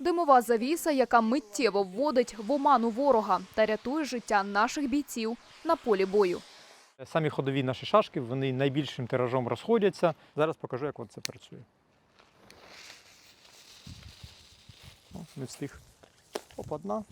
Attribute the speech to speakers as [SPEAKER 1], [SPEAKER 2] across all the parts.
[SPEAKER 1] Димова завіса, яка миттєво вводить в оману ворога та рятує життя наших бійців на полі бою.
[SPEAKER 2] Самі ходові наші шашки, вони найбільшим тиражом розходяться. Зараз покажу, як це працює. Не встиг. Оп, одна.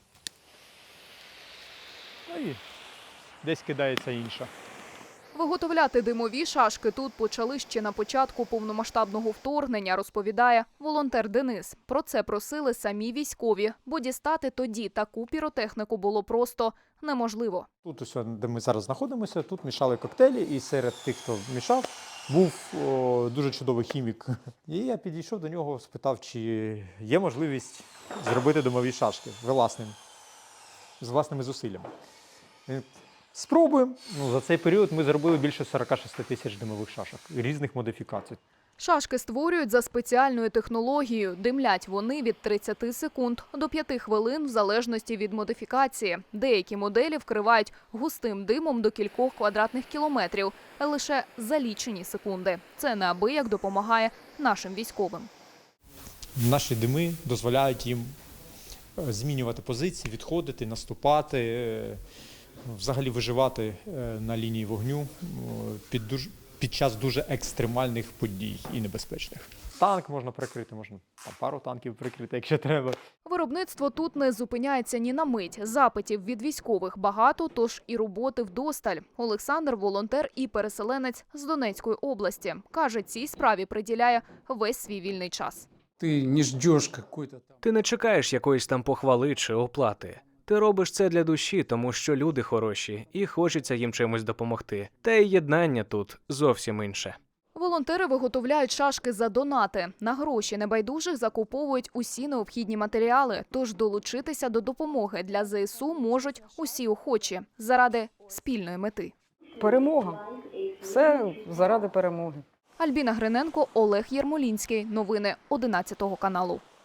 [SPEAKER 2] Ну і десь кидається інша.
[SPEAKER 1] Виготовляти димові шашки тут почали ще на початку повномасштабного вторгнення, розповідає волонтер Денис. Про це просили самі військові, бо дістати тоді таку піротехніку було просто неможливо.
[SPEAKER 2] Тут, ось, де ми зараз знаходимося, тут мішали коктейлі, і серед тих, хто мішав, був дуже чудовий хімік. І я підійшов до нього, спитав, чи є можливість зробити димові шашки з власними зусиллями. Він: спробуємо. За цей період ми зробили більше 46 тисяч димових шашок різних модифікацій.
[SPEAKER 1] Шашки створюють за спеціальною технологією. Димлять вони від 30 секунд до 5 хвилин в залежності від модифікації. Деякі моделі вкривають густим димом до кількох квадратних кілометрів лише за лічені секунди. Це неабияк допомагає нашим військовим.
[SPEAKER 2] Наші дими дозволяють їм змінювати позиції, відходити, наступати, взагалі виживати на лінії вогню під час дуже екстремальних подій і небезпечних. Танк можна прикрити, можна пару танків прикрити, якщо треба.
[SPEAKER 1] Виробництво тут не зупиняється ні на мить. Запитів від військових багато, тож і роботи вдосталь. Олександр – волонтер і переселенець з Донецької області. Каже, цій справі приділяє весь свій вільний час.
[SPEAKER 3] Ти не чекаєш якоїсь там похвали чи оплати. Ти робиш це для душі, тому що люди хороші і хочеться їм чимось допомогти. Та й єднання тут зовсім інше.
[SPEAKER 1] Волонтери виготовляють шашки за донати. На гроші небайдужих закуповують усі необхідні матеріали. Тож долучитися до допомоги для ЗСУ можуть усі охочі заради спільної мети.
[SPEAKER 4] Перемога. Все заради перемоги.
[SPEAKER 1] Альбіна Гриненко, Олег Єрмолінський. Новини 11 каналу.